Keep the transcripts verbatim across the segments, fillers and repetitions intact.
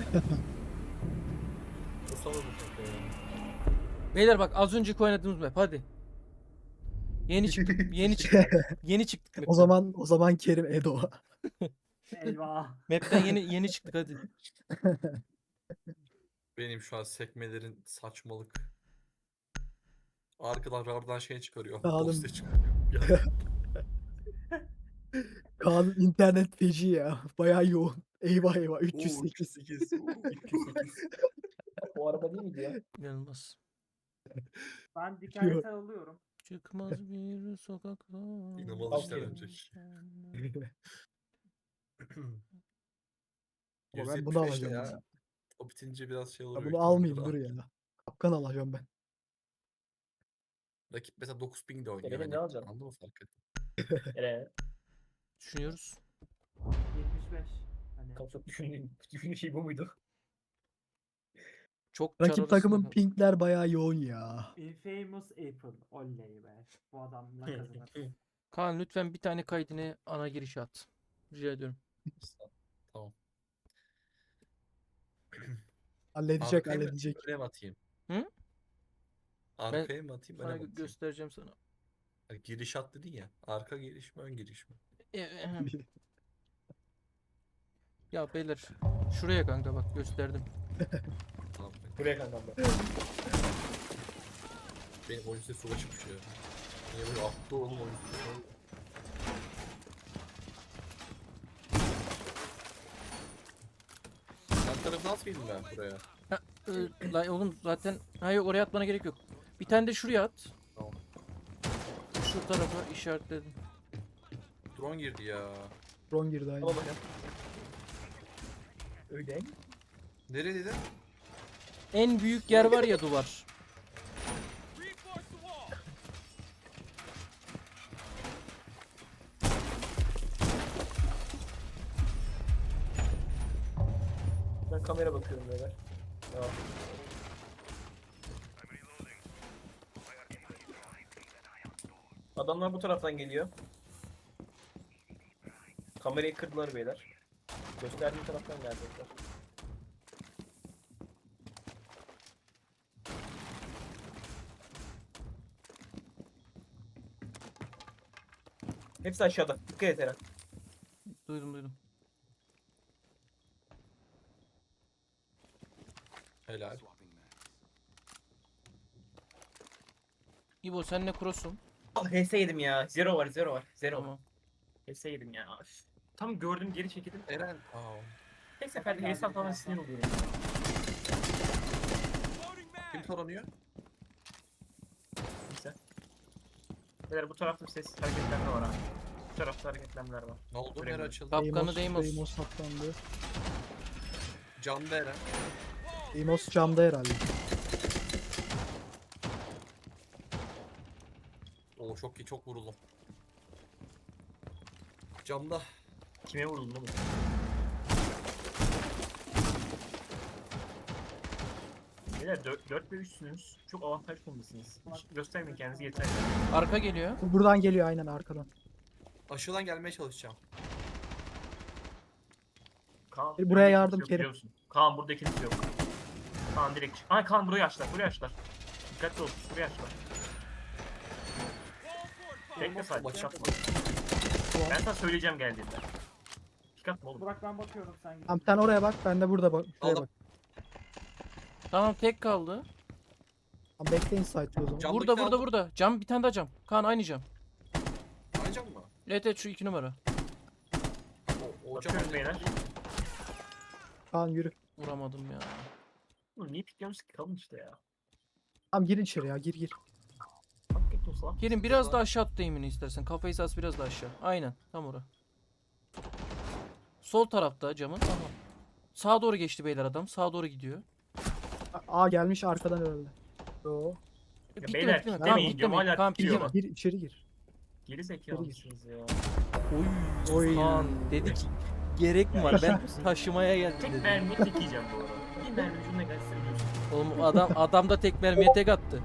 Basamadım kanka ya. Beyler bak az önceki oynadığımız map hadi. Yeni çıktık. Yeni çıktık. Yeni çıktık O map'ten. zaman o zaman Kerim Edo. Eyvah. Map'ten yeni yeni çıktık hadi. Benim şu an sekmelerin saçmalık. Arkadan radardan şey çıkarıyor. Oğlum. Dosya çıkarıyor. Ya, Kaan internet feci ya. Bayağı yoğun. Eyvah eyvah oo, üç yüz sekiz. üç yüz sekiz. oo, üç yüz sekiz. O araba değil miydi ya? İnanılmaz. Ben dikkate alıyorum. Çıkmaz bir sokakta. İnanılmaz işler Aferin. öncek. Ama ben bunu yüz yetmiş beş de alacağım. ya. Ya. O bitince biraz şey olur. Ya büyük bunu ihtimalle almayayım rahat. dur ya. Kapkan alacağım ben. Rakip mesela dokuz bin de oynuyor. benim Hani. ne alacağım? Anladın mı fark et? Nereye? Düşünüyoruz. yetmiş beş. Hani Tam çok düşündüğüm, düşündüğüm şey bu muydu? Çok çar Rakip arasında takımın kaldı. pinkler bayağı yoğun ya. Infamous April. Oley be. Bu adamla kazanır. Kaan lütfen bir tane kaydını ana girişe at. Rica ediyorum. Tamam. Halledecek Arkaya mı halledecek. öne mi atayım? Hı? Arkaya mı atayım, öne Sana mi gö- atayım? göstereceğim sana. Hani giriş at dedin ya. Arka giriş mi, ön giriş mi? E, ehem. Ya beyler şuraya kanka bak gösterdim. Tamam. Buraya kankam ben. Benim oyun sesi ulaşıp bir şey ya. Niye böyle attı oğlum oyun sesi? Yan tarafını atmayayım ben buraya. Ee, lan oğlum zaten hayır oraya atmana gerek yok. Bir tane de şuraya at. Tamam. Şu tarafa işaretledim. Drone girdi ya. Drone girdi aynı. Tamam bakayım. Öyle. Nereye dedin? En büyük yer var ya duvar. Ben kamera bakıyorum beyler. Tamam. Adamlar bu taraftan geliyor. Kamerayı kırdılar beyler. Gösterdiğim taraftan gelecekler. Hepsi aşağıda. Dikkat et Eren. Duydum duydum. Helal. İbo sen ne cross'un? Ah H S yedim ya. Zero var, zero var. Zero. Tamam. H S yedim ya. Üf. Tam gördüm geri çekildim. Eren. Aa. Tek seferde H S atmama sinir oluyorum. Kim taranıyor? Neyse. Beyler bu tarafta bir ses hareketlenme var ha. Bu tarafta hareketlenmeler var. Ne oldu? Buraya Nere mı? açıldı? Kapkanı Deimos. Deimos saklandı. Camda Eren. Deimos camda herhalde. Oo çok iyi, çok vuruldum. Camda. Kime vuruldun oğlum? Beyler dört ve üçsünüz. Çok avantaj konumdasınız. Hiç göstermeyin kendinizi yeter. Arka geliyor. Bu buradan geliyor aynen arkadan. Aşağıdan gelmeye çalışacağım. Kaan, E, buraya burada yardım ikiniz yok Kerim. biliyor musun? Kaan burada ikiniz yok. Kaan direkt. Ay Kaan burayı açlar, burayı açlar. Dikkatli ol, burayı açlar. Bekle sadece, Bak, pick atma. Ben sana söyleyeceğim geldiğinde. Pick atma oğlum. Burak ben bakıyorum sen git. Tamam sen oraya bak ben de burada bak. Şuraya Aldım. bak. Tamam tek kaldı. Tamam bekleyin site'ı o zaman. Cam- Burada Camdakini burada aldım. burada. Cam bir tane daha cam. Kaan aynı cam. Aynı cam mı? Evet evet şu iki numara. O, o cam Bakıyorum aynı. beyler. Kaan yürü. Vuramadım ya. Oğlum niye pikliyorsunuz ki? Kalın işte ya. Tamam gir içeri ya gir gir. Hakikaten olsa. Kerim biraz daha aşağı at eğimini istersen. Kafayı sas biraz daha aşağı. Aynen. Tam ora. Sol tarafta camın. Tamam. Sağa doğru geçti beyler adam. Sağa doğru gidiyor. A, A gelmiş arkadan herhalde. Yo. E, Ya bitti beyler, mi? Bitti mi? demeyin Tamam diyorum, bitti mi? hala Tamam bitiyor bitti ama. mi? Gir içeri gir. Geri zekalısınız ya. Oy. Oy. Kaan dedi ki gerek mi var? Ben taşımaya geldim Tek dedi. mermiye tek yiyeceğim bu arada. Bir mermi ucunda gelse biliyorsun. Oğlum adam adam da tek mermiye tek attı.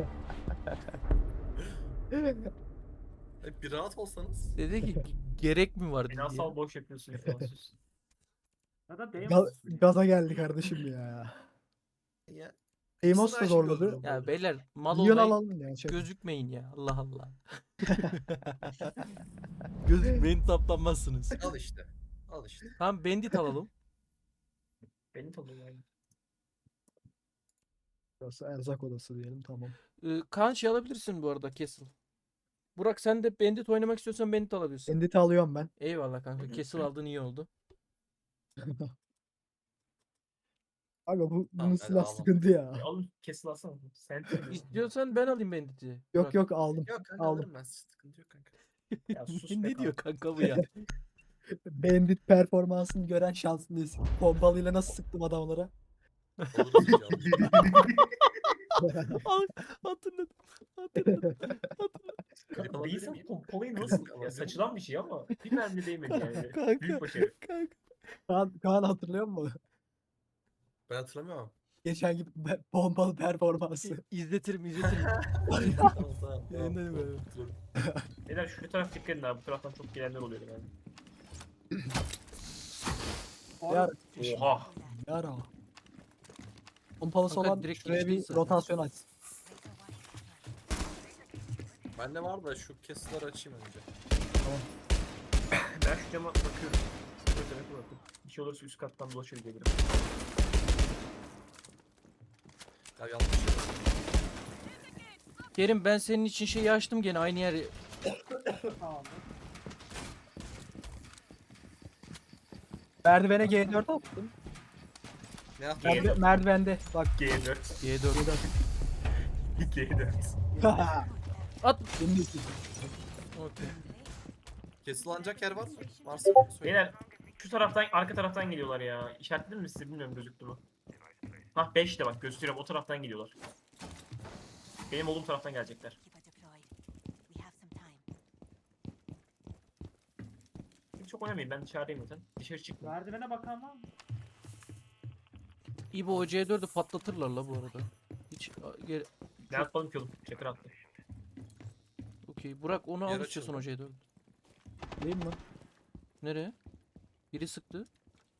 E, bir rahat olsanız. Dedi ki gerek mi var dedi. Finansal boş yapıyorsun ya. sus. Ya da Ga- Deimos. gaza geldi kardeşim ya. Ya. Amos ikisini da aşık zorladı. olurum Ya böyle. beyler mal Milyon olmayın. alalım ya. Şaka. Gözükmeyin ya. Allah Allah. Gözükmeyin taplanmazsınız. Al işte. Al işte. Tamam bandit alalım. Beni tanıyor yani. Burası erzak odası diyelim, tamam. Ee, Kaan şey alabilirsin bu arada Castle. Burak sen de bandit oynamak istiyorsan bandit alabilirsin. Endit'i alıyorum ben. Eyvallah kanka. Castle aldığın iyi oldu. Aga bu bunun Tamam, ben silah almam. sıkıntı ya. E, alın kesil alsana. Sen İstiyorsan ben alayım bandit'i. Yok Burak. yok aldım. Yok kanka Aldım. alırım ben. Sıkıntı yok kanka. Ya sus ne be ne diyor kanka. kanka bu ya? Bandit performansını gören şanslıyız. Pompalıyla nasıl sıktım adamlara. Alırız inşallah. Ay, hatırladım. Hatırladım. Klip Bir alabilir insan miyim? pompalayı Klip nasıl? alabilir Ya miyim? saçılan bir şey ama bir mermi değmedi yani. Kanka. Büyük başarı. Kanka. Kaan, Kaan hatırlıyor musun? Ben hatırlamıyorum. Geçen gibi be- pompalı performansı. İzletirim izletirim. tamam tamam. tamam, Yayınlarım tamam. abi. Hatırladım. Beyler şu taraf dikkat edin abi. Bu taraftan çok gelenler oluyor yani. Yar, Oha. yara. Pompalısı Kanka olan direkt şuraya geçti bir zaten. rotasyon aç. Bende var da şu kesitleri açayım önce. Ben şu cama bakıyorum. Böyle demek bakın. Bir şey olursa üst kattan dolaşır gelirim. Ya yanlış şey yaptım. Kerim ben senin için şeyi açtım gene aynı yeri. Tamamdır. Merdivene G dört attım. Ne yaptın? G dört. Merdi- merdivende bak. G dört. G dört. G dört. At. Benim de istedim. Okey. Kesilanacak yer var mı? Varsa söyle. Beyler şu taraftan arka taraftan geliyorlar ya. İşaretledin mi size bilmiyorum gözüktü mü? Hah beş de bak gösteriyorum o taraftan geliyorlar. Benim olduğum taraftan gelecekler. Keep it deployed. We have some time. Hiç çok oynamayın ben dışarıdayım zaten. Dışarı çıkma. Merdivene bakan var mı? İbo o C dördü patlatırlar la bu arada. Hiç a, geri... Ne atmadım ki oğlum? Çakır attı. Okey. Burak onu al Yer istiyorsan o açıldı. C dördü. Değil mi? Nereye? Biri sıktı.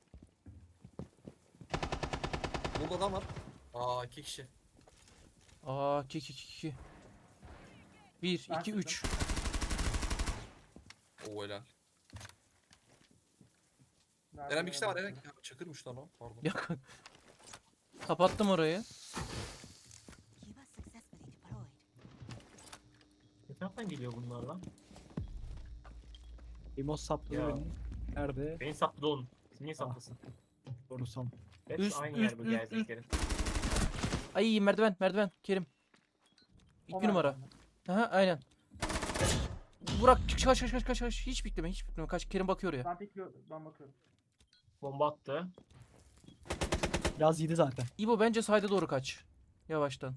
Burada adam var. Aa iki kişi. Aa iki iki iki. bir Ben iki üç. Oo helal. Merdivene Eren bir kişi de var Eren. bakıyorum. Ya, Çakırmış lan o. Pardon. Ya kanka. Kapattım orayı. Kiva successfully deployed. Ne taraftan geliyor bunlar lan? Emos sapladı Ya. beni. Nerede? Beni sapladı oğlum. Siz niye Ah. saplasın? Doğrusam. Hepsi Üst, aynı üst, yer bu üst, geleceklerin. Ay merdiven merdiven. Kerim. O İki numara. merdivene. Aha aynen. Burak kaç kaç kaç kaç kaç kaç. Hiç bekleme hiç bekleme. Kaç Kerim bakıyor ya. Ben bekliyorum. Ben bakıyorum. Bomba attı. Biraz yedi zaten. İbo bence sayda doğru kaç. Yavaştan.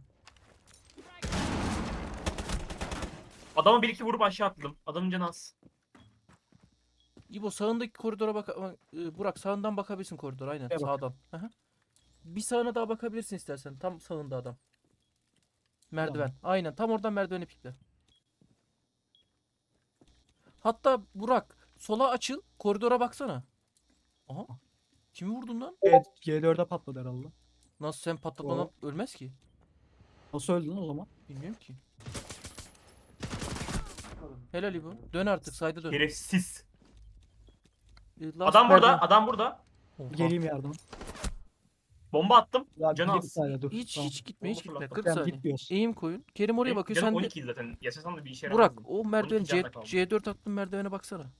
Adama bir iki vurup aşağı atladım. Adamın canı az. İbo sağındaki koridora bak ama, e, Burak sağından bakabilirsin koridora aynen Şuraya bak. sağdan. Aha. Bir sağına daha bakabilirsin istersen. Tam sağında adam. Merdiven. Aynen tam oradan merdiveni pikle. Hatta Burak sola açıl koridora baksana. Aha. Kimi vurdun lan? G- G4'e patladı herhalde. Nasıl sen patlatmadan ölmez ki? Nasıl öldü lan o zaman? Bilmiyorum ki. Bakalım. Helal İbo. Dön artık sayda dön. Şerefsiz. E, last Adam burada. merdiven. Adam burada. Oha. Geleyim yardıma. Bomba attım. Ya Canı bir az. saniye dur. Hiç Tamam. hiç gitme hiç Bomba gitme. fırlattım. kırk Tamam, saniye. gitmiyoruz. Eğim koyun. Kerim oraya Benim bakıyor. canım Sen de on iki zaten. Yaşasam da bir işe Burak yaramazdım. o merdiveni C, canla kaldım. C dört attın merdivene baksana.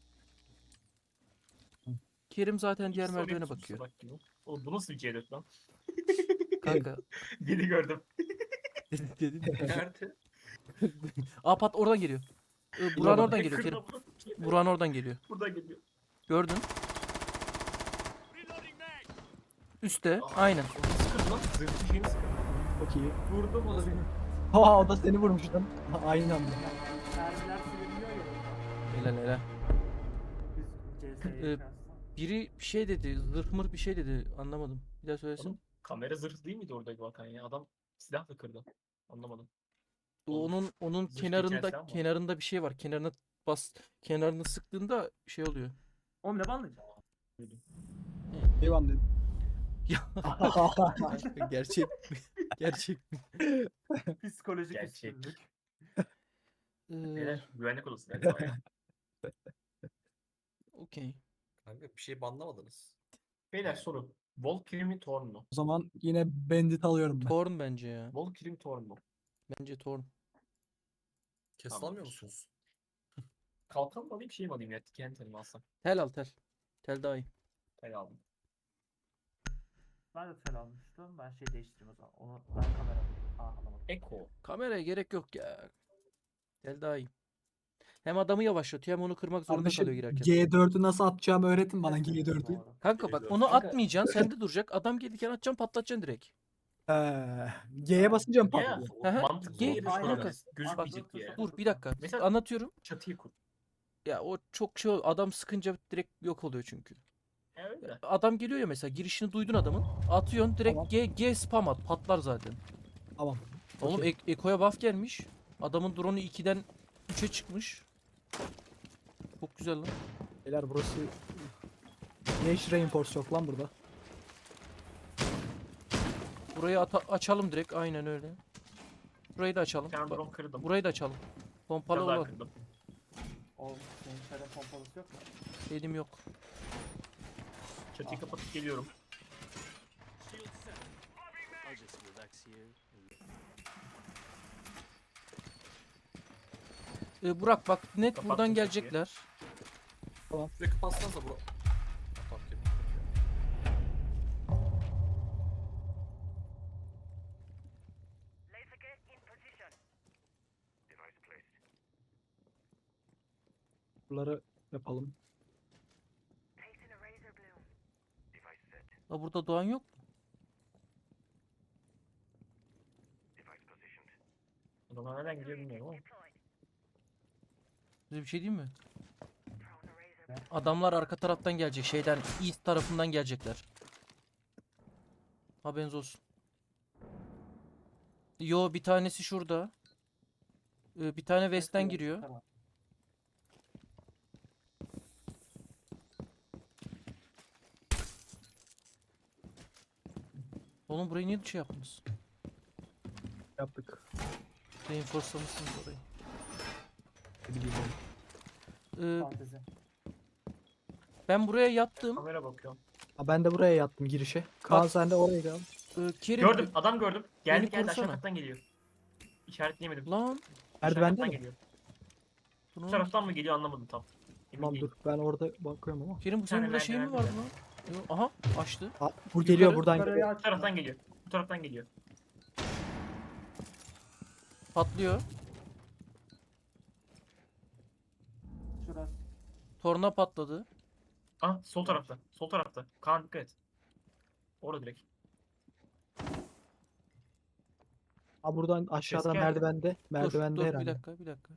Kerim zaten diğer İkisi oraya merdivene tutmuş bakıyor. salak gibi. Oğlum bu nasıl bir C dört lan? Kanka. Biri gördüm. Dedin dedin. Nerede? Aa pat oradan geliyor. Ee, Buran oradan geliyor Kerim. Kırdım. Buran oradan geliyor. Buradan geliyor. Gördün. Üste. Aa, Aynen. o nasıl kırdı lan? Zırhlı şeyini sıkıyor. Çok iyi. Vurdum o da benim. Ha o da seni vurmuş lan. Aynı anda. Mermiler siliniyor ya. Helal helal. Biz Ee, C S'ye kıyasla. Biri bir şey dedi. Zırh mır bir şey dedi. Anlamadım. Bir daha söylesin. Oğlum kamera zırhlı değil miydi oradaki bakan ya? Adam silahla kırdı. Anlamadım. Onun onun Zırh kenarında geçerse ama. kenarında bir şey var. Kenarına bas kenarını sıktığında şey oluyor. Oğlum ne banlayacağım? Devam dedim. Ya gerçek mi? Gerçek mi? Psikolojik Gerçek. üstünlük. Ee, Beyler güvenlik odası galiba ya. Okey. Kanka bir şey banlamadınız. Beyler soru. Valkyrie mi Thorn mu? O zaman yine Bandit alıyorum ben. Torn bence ya. Valkyrie mi Thorn mu? Bence Torn. Kes Tamam. almıyor musunuz? Kalkan mı alayım şey mi alayım ya? Kendi telimi alsam. Tel al tel. Tel daha iyi. Tel aldım. Ben de tel almıştım. Ben şey değiştireyim o zaman. Onu ben kamera. Aa alamadım. Echo. Kameraya gerek yok ya. Tel daha iyi. Hem adamı yavaşlatıyor hem onu kırmak zorunda Kardeşim kalıyor girerken. G dört'ü nasıl atacağımı öğretin bana Kesinlikle G dört'ü. doğru. Kanka bak Geliyor. onu Kanka- atmayacaksın sende duracak. Adam gelirken atacaksın patlatacaksın direkt. Ee, G'ye basınca mı Ya patlıyor? Hı hı. mantıklı Ge- yeri Aynen. şöyle. Kanka, Gözükmeyecek diye. Dur bir dakika. Mesela- Anlatıyorum. Çatıyı kur. Ya o çok şey adam sıkınca direkt yok oluyor çünkü. E öyle. Adam geliyor ya mesela girişini duydun adamın. Atıyorsun direkt Tamam. G, G spam at patlar zaten. Tamam. Oğlum Okey. Ek- Eko'ya buff gelmiş. Adamın drone'u ikiden üçe çıkmış. Çok güzel lan. Beyler burası... Ne hiç reinforce yok lan burada. Burayı ata- açalım direkt aynen öyle. Burayı da açalım. Bir tane Bak, drone kırdım. burayı da açalım. Pompalı Biraz daha olan. kırdım. O senin şöyle pompalısı yok mu? Elim yok. Çatıyı kapatıp geliyorum. Ee, Burak bak net Kapattım buradan kapıyı. gelecekler. Şurayı kapatsanıza bura. Fark ettim. Buraları yapalım. La burada Doğan yok. Adamlar nereden gidiyor bilmiyorum ama. Size bir şey diyeyim mi? Adamlar arka taraftan gelecek. Şeyden east tarafından gelecekler. Haberiniz olsun. Yo bir tanesi şurada. Ee, bir tane west'ten Mesela- giriyor. Tamam. Oğlum burayı niye şey yaptınız? Yaptık. Reinforce'lamışsınız orayı. Ne bileyim ben. Ee, Fantezi. ben buraya yattım. Kamera bakıyorum. Ha, ben de buraya yattım girişe. Kaan Bak- sen de oraya gel. Ee, Kerim. Gördüm. Adam gördüm. Geldi Beni geldi aşağı korusana. kattan geliyor. İşaretleyemedim. Lan. Aşağı Merdivende kattan mi? geliyor. Bunu... Bu taraftan mı geliyor anlamadım tam. Emin Tamam değilim. dur ben orada bakıyorum ama. Kerim bu Bir senin tane burada şey mi merdiven vardı lan? Yo, aha açtı. Ha, bu geliyor Yukarı- buradan Yukarıya geliyor. Bu açma. taraftan geliyor. Bu taraftan geliyor. Patlıyor. Şurası. Torna patladı. Ah sol tarafta. Sol tarafta. Kaan dikkat et. Orada direkt. Ha buradan aşağıdan geldi. merdivende. Merdivende dur, dur herhalde. bir dakika bir dakika.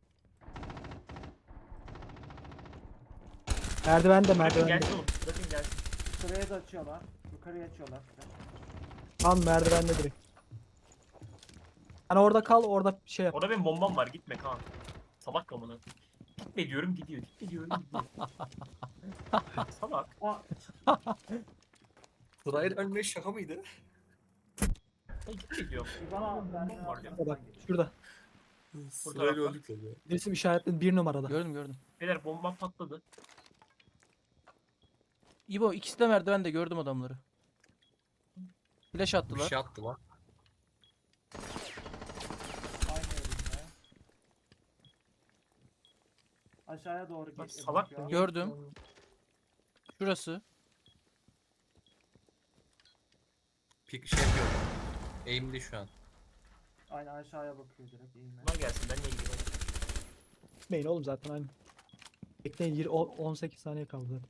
Merdivende Bırakın merdivende. gelsin oğlum. Bırakın gelsin. Şuraya da açıyorlar. Yukarıya açıyorlar. Tam merdivende direkt. Hani orada kal orada şey yap. Orada benim bombam var. Gitme Kaan. Salak kamanı. Gitme diyorum gidiyor. Gitme diyorum gidiyor. Salak. Aa, Sırayla ölmek şaka mıydı? Hey, gitme diyorum. bir bana Bombam merdiven var ya. Bak altından geliyor. şurada. Sırayla tarafta. öldük tabii. Resim işaretli bir numarada. Gördüm gördüm. Beyler bombam patladı. İbo ikisi de merdivende gördüm adamları. Flash Bir attılar. şey attı lan. Aynı yerinde. Aşağıya doğru Lan gidiyor. salak bakıyor. mı? Gördüm. Şurası. Pik şey yapıyor. Aim'li şu an. Aynen aşağıya bakıyor direkt. eğilme. Bunlar gelsin ben niye gidiyorum? Gitmeyin oğlum zaten aynı. Bekleyin yirmi- o- on sekiz saniye kaldı zaten.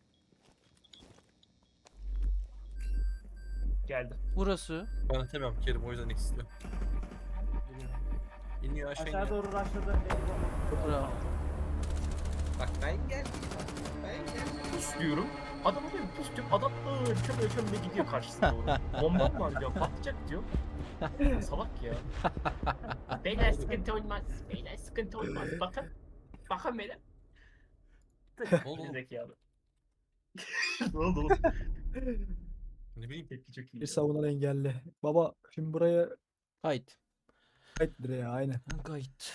Geldi. Burası. Ben atamiyorum Kerim o yüzden ikisi diyor. Biliyorum. İniyor aşağı Aşağı iniyor. doğru rushladı. Eyvah. Bravo. Bak ben geldim. Ben geldim. Pus diyorum. Adamı diyorum pus diyorum. Adam ıı çöme çöme gidiyor karşısına doğru. Bombam var diyor. Patlayacak diyor. Salak ya. Beyler sıkıntı olmaz. Beyler sıkıntı olmaz. Bakın. Bakın beyler. Ne oldu oğlum? Zekalı. Ne oldu oğlum? Ne bileyim. Tepki çok iyi. Bir savunan engelli. Baba şimdi buraya Kayıt. kayıt direği aynen. Kayıt.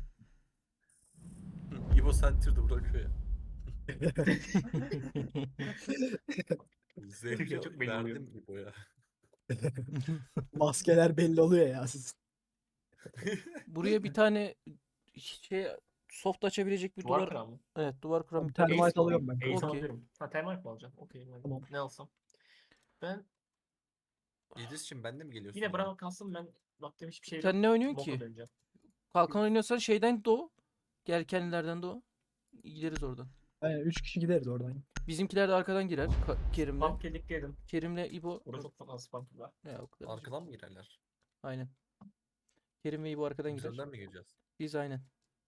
İbo Center'da bırakıyor ya. Zevki Çok belli oluyor. verdim İbo'ya. Maskeler belli oluyor ya sizin. Buraya bir tane şey soft açabilecek bir Duvar duvar. kıran mı? Evet, duvar kuran bir Tamam, tane. termite Ace alıyorum alayım. ben. Ace Okey. alabilirim. Ha termite mi alacağım? Okey. ben Tamam. Ne alsam? Ben İdris'cim ben de mi geliyorsun? yine ya? bravo kalsın, ben baktığım hiçbir şey yok. Sen ne oynuyorsun Boka ki? döneceğim. Kalkan oynuyorsan şeyden doğu. Gel kendilerden doğu. Gideriz oradan. Aynen üç kişi gideriz oradan. Bizimkiler de arkadan girer. Ka- Kerim'le. Spam kediklerim. Kerim'le İbo. Burada çok fazla spam var. Ya, o kadar. Arkadan mı girerler? Aynen. Kerim ve İbo arkadan Biz girer. önden mi gireceğiz? Biz aynen.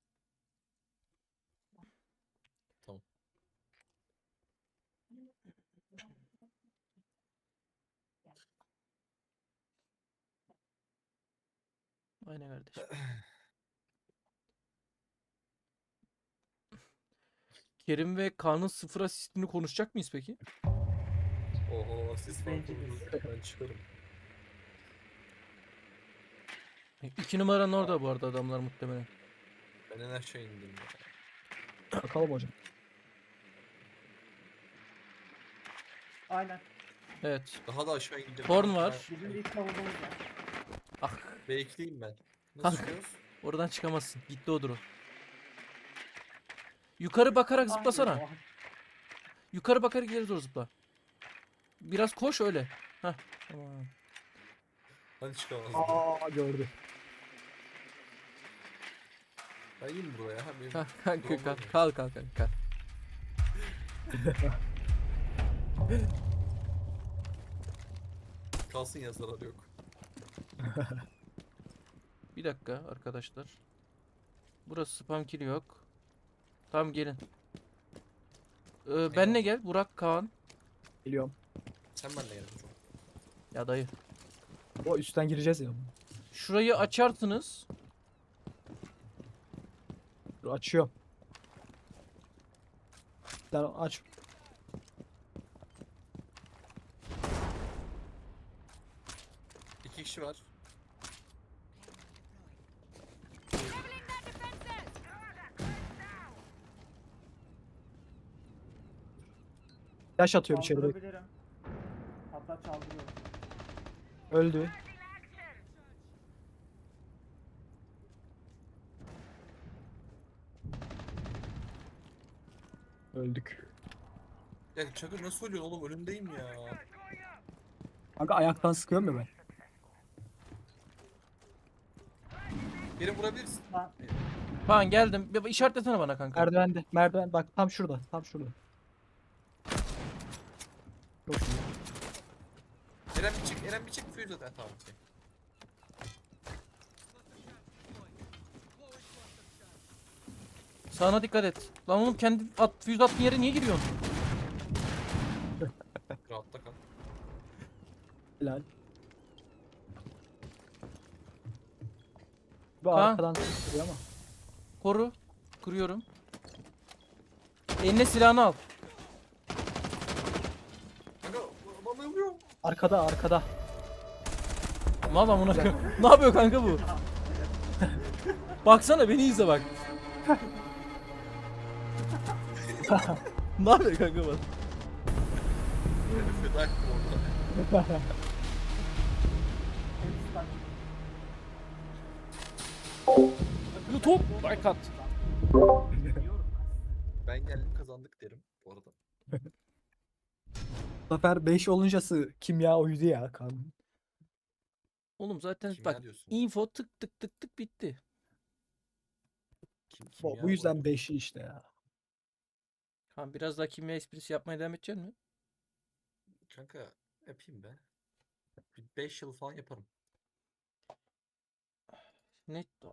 Tamam. Aynen kardeşim. Kerim ve Kaan'ın sıfır asistini konuşacak mıyız peki? Oho siz Bence farklı. Ben çıkarım. İki numaranın orada bu arada adamlar muhtemelen. Ben en aşağı indim ya. Bakalım hocam. Aynen. Evet. Daha da aşağı indim. Horn var. Bizim ilk savunmamız var. Ah, Bekleyeyim ben. Nasıl Ah. çıkıyoruz? oradan çıkamazsın. Gitti o drone. Yukarı bakarak zıplasana. Aynen. Yukarı bakarak geri doğru zıpla. Biraz koş öyle. Heh. Tamam. Hani çıkamazdım. Aa gördü. Ben iyiyim buraya. Ha, benim Kalk kalk drone kalk var mı? kalk kalk kalk. kalk. Kalsın ya, zararı yok. Bir dakika arkadaşlar. Burası spam kill yok. Tamam gelin. Ee, benle gel Burak Kaan. Geliyorum. Sen benimle gel çok. Ya dayı. O üstten gireceğiz ya. Şurayı açarsınız. Dur, açıyorum. Sen aç. İki kişi var. Yaş atıyorum içeri. Çaldırabilirim. Hatta çaldırıyorum. Öldü. Öldük. Ya Çakır nasıl ölüyorsun oğlum, önündeyim ya. Kanka ayaktan sıkıyorum ya ben. Beni vurabilirsin. Lan Kaan geldim. Bir işaretlesene bana kanka. Merdivende. Merdiven bak tam şurada. Tam şurada. Çok iyi. Eren bir çık, Eren bir çık. Fuse zaten tamam. okey. Sağına dikkat et. Lan oğlum kendi at, füze attığın yere niye giriyorsun? Rahatta kal. Helal. Bu Ha. arkadan sıkıyor ama. Koru. Kuruyorum. Eline silahını al. Kanka bana vuruyor. Arkada arkada. Mal amına koyayım. Ne yapıyor kanka bu? Baksana beni izle bak. Ne yapıyor kanka bu? Feda ettim orada. hepsi bak. YouTube. Like at. Biliyorum ben. Ben geldim kazandık derim bu arada. Bu sefer beş oluncası kimya oydu ya kan. Oğlum zaten Kimya bak diyorsun. info tık tık tık tık bitti. Kim, Bu, kimya bu yüzden oydu. beşi işte ya. Kaan biraz daha kimya esprisi yapmaya devam edecek mi? Kanka yapayım be. Bir beş yıl falan yaparım. Ne